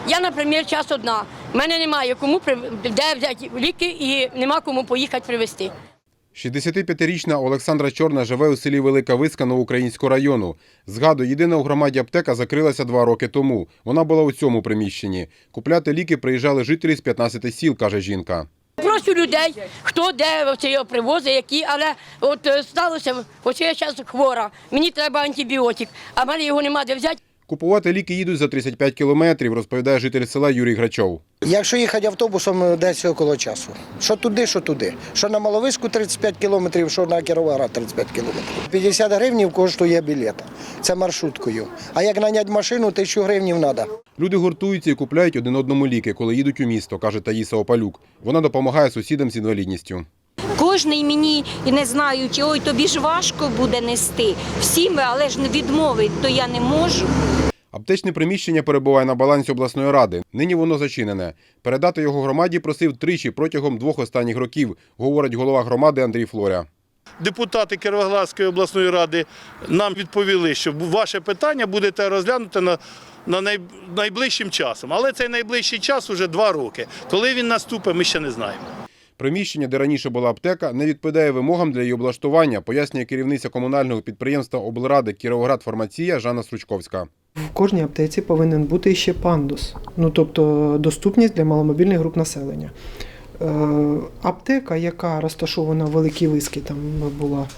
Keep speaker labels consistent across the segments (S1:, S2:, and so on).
S1: Я, наприклад, час одна. У мене немає кому де взяти ліки і нема кому поїхати привезти.
S2: 65-річна Олександра Чорна живе у селі Велика Виска Новоукраїнського району. Згадує, єдина у громаді аптека закрилася 2 роки тому. Вона була у цьому приміщенні. Купляти ліки приїжджали жителі з 15 сіл, каже жінка.
S1: Прошу людей, хто де це його привозить, які, але от сталося, ось я зараз хвора, мені треба антибіотик, а в мене його нема де взяти.
S2: Купувати ліки їдуть за 35 кілометрів, розповідає житель села Юрій Грачов.
S3: Якщо їхати автобусом, десь около часу. Що туди, що туди. Що на Маловиську 35 кілометрів, що на Кіровоград 35 кілометрів. 50 гривень коштує білет. Це маршруткою. А як наняти машину, 1000 гривень треба.
S2: Люди гуртуються і купляють один одному ліки, коли їдуть у місто, каже Таїса Опалюк. Вона допомагає сусідам з інвалідністю.
S4: Кожний мені, не знаючи, ой, тобі ж важко буде нести. Всім, але ж не відмовить, то я не можу.
S2: Аптечне приміщення перебуває на балансі обласної ради. Нині воно зачинене. Передати його громаді просив тричі протягом 2 останніх років, говорить голова громади Андрій Флоря.
S5: Депутати Кіровоградської обласної ради нам відповіли, що ваше питання будете розглянути найближчим часом. Але цей найближчий час вже 2 роки. Коли він наступить, ми ще не знаємо.
S2: Приміщення, де раніше була аптека, не відповідає вимогам для її облаштування, пояснює керівниця комунального підприємства облради «Кіровоградфармація» Жанна Стручковська.
S6: В кожній аптеці повинен бути ще пандус, тобто доступність для маломобільних груп населення. Аптека, яка розташована в Великій Вискі, там була,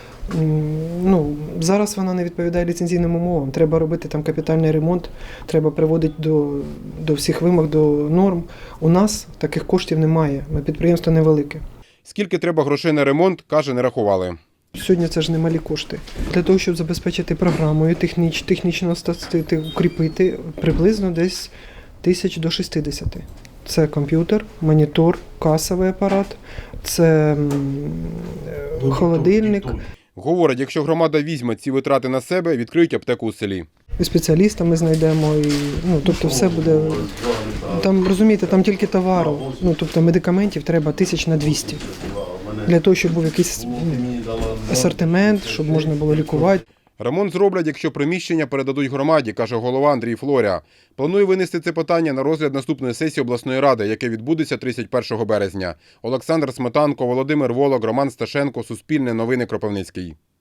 S6: зараз вона не відповідає ліцензійним умовам. Треба робити там капітальний ремонт, треба приводити до всіх вимог, до норм. У нас таких коштів немає, підприємство невелике.
S2: Скільки треба грошей на ремонт, каже, не рахували.
S6: Сьогодні це ж немалі кошти. Для того, щоб забезпечити програмою, технічно остатити, укріпити, приблизно десь 1000 до 60. Це комп'ютер, монітор, касовий апарат, це холодильник.
S2: Говорить, якщо громада візьме ці витрати на себе, відкриють аптеку у селі.
S6: І спеціаліста ми знайдемо, тобто все буде, там, розумієте, там тільки товару, тобто медикаментів треба 1200. Для того, щоб був якийсь асортимент, щоб можна було лікувати.
S2: Ремонт зроблять, якщо приміщення передадуть громаді, каже голова Андрій Флоря. Планує винести це питання на розгляд наступної сесії обласної ради, яке відбудеться 31 березня. Олександр Сметанко, Володимир Волок, Роман Сташенко, Суспільне новини, Кропивницький.